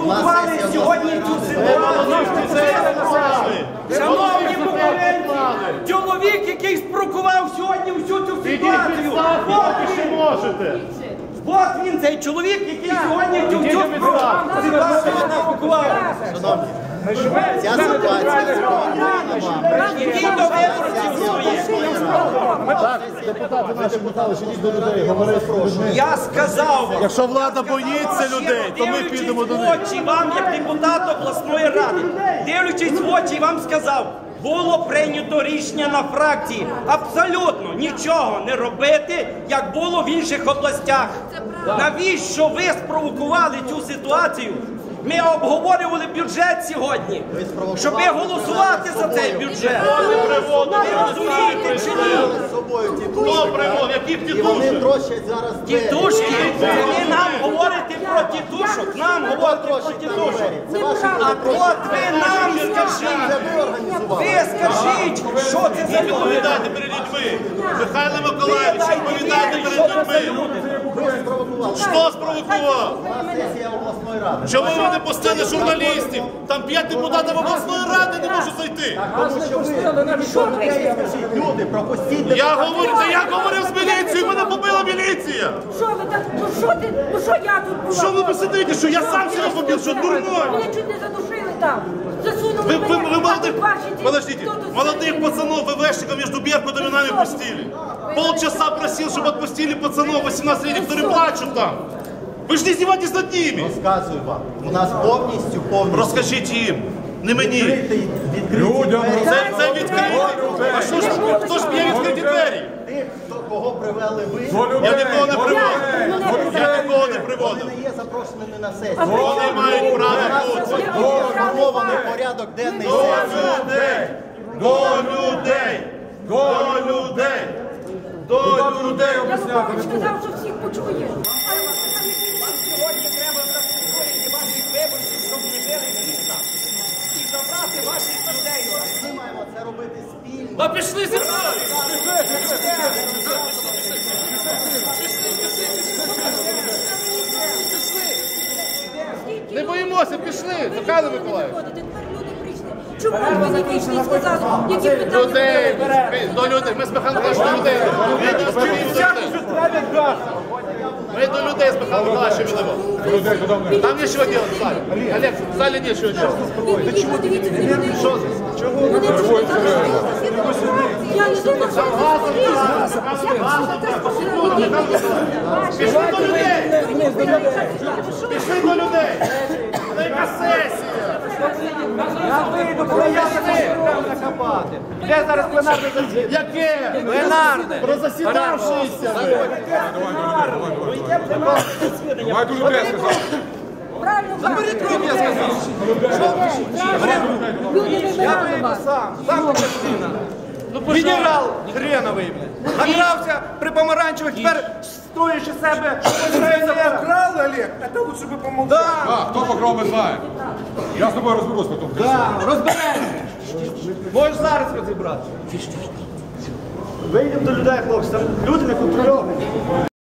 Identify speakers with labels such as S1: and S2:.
S1: спровокували сьогодні цю ситуацію. Шановні конкуренти, чоловік, який спровокував сьогодні всю цю ситуацію. От він, цей чоловік, який сьогодні цю ситуацію спровокував.
S2: Ця ситуація
S1: Який до виборців своїх.
S3: Так, депутати наші питали, що до людей, говорить про людьми.
S1: Я сказав,
S3: Якщо влада боїться людей, то ми підемо до них.
S1: дивлячись в очі вам, як депутат обласної ради, дивлячись в очі, вам сказав, було прийнято рішення на фракції абсолютно нічого не робити, як було в інших областях. Навіщо ви спровокували цю ситуацію? Ми обговорювали бюджет сьогодні, щоб голосувати за цей бюджет. Ви розумієте чи ні?
S2: Хто привод? Яких тітушок?
S1: Тітушки? Це ви нам говорите про тітушок, нам говорите про тітушок. А от ви нам скажіть, ви скажіть, що це за люди?
S2: Відповідайте перед людьми. Михайло Миколаївич, відповідайте перед людьми. Що спровокував? Чому ви не пустили журналістів? Там 5 депутатів обласної ради не можуть зайти.
S4: Люди, пропустіть.
S2: Я говорив з міліцією, мене побила міліція.
S5: Що ви так? Ну що я тут була?
S2: Що ви посидите, що я сам себе побив, що дурной?
S5: Мене чуть не задушили там. Засунули
S2: Вы
S5: мене.
S2: подождите, молодых пацанов ВВшников между Беркутом и нами пустили. Полчаса просил, чтобы отпустили пацанов 18-летних, которые плачут там. Ви ж не издеваетесь над ними.
S4: Розказую вам. У нас повністю.
S2: Розкажіть їм, не мені.
S4: Людям.
S2: Це відкриті. А що ж, хто ж б'є відкриті двері?
S4: Тих, кого привели ви.
S2: Я нікого не приводив. Я нікого не приводив.
S4: Вони не є запрошеними на сесію.
S2: Вони мають право бути.
S4: Сформований порядок денний сесії.
S2: До людей! До людей! До людей!
S5: Я сказав, що всіх почує.
S1: Сьогодні треба заспокоїти ваших виборців, щоб не жили міста. І забрати ваших людей.
S4: Ми маємо це робити спільно.
S2: А пішли зі мною! Не боїмося, пішли, Михайло Миколаївич.
S5: Тепер люди прийшли. Чому ви не вийшли і сказали, які питання?
S2: Людей, до людей, ми з Михайлом Миколаївичем до людей. Ми до людей з Михайлом Миколаївичем йдемо. Там нічого робити в залі. Олег, в залі нічого робити.
S5: Ви чому дивіться на людей? Чого? Вони чому я не думаю, що
S2: Пішли до людей! Пішли до людей! Це яка сесія!
S6: Я вийду, коли я накопати. Де зараз пленарне засідання?
S2: Яке?
S6: Пленарне.
S2: Про засідавшися!
S3: Давай дуже людей сказав.
S5: правильно заберіть руки, я сказав. Люди вибирали вас.
S6: Сам частина. Генерал хреновий. Награвся при помаранчевих, тепер строючи себе. Покрали, Олег, це лучше би помогли.
S3: Хто покрав, ми знаємо. Я з тобою розберусь потім.
S6: Розберемося. Можеш зараз розібратися. Вийдемо до людей, хлопці, там люди не контрольовані.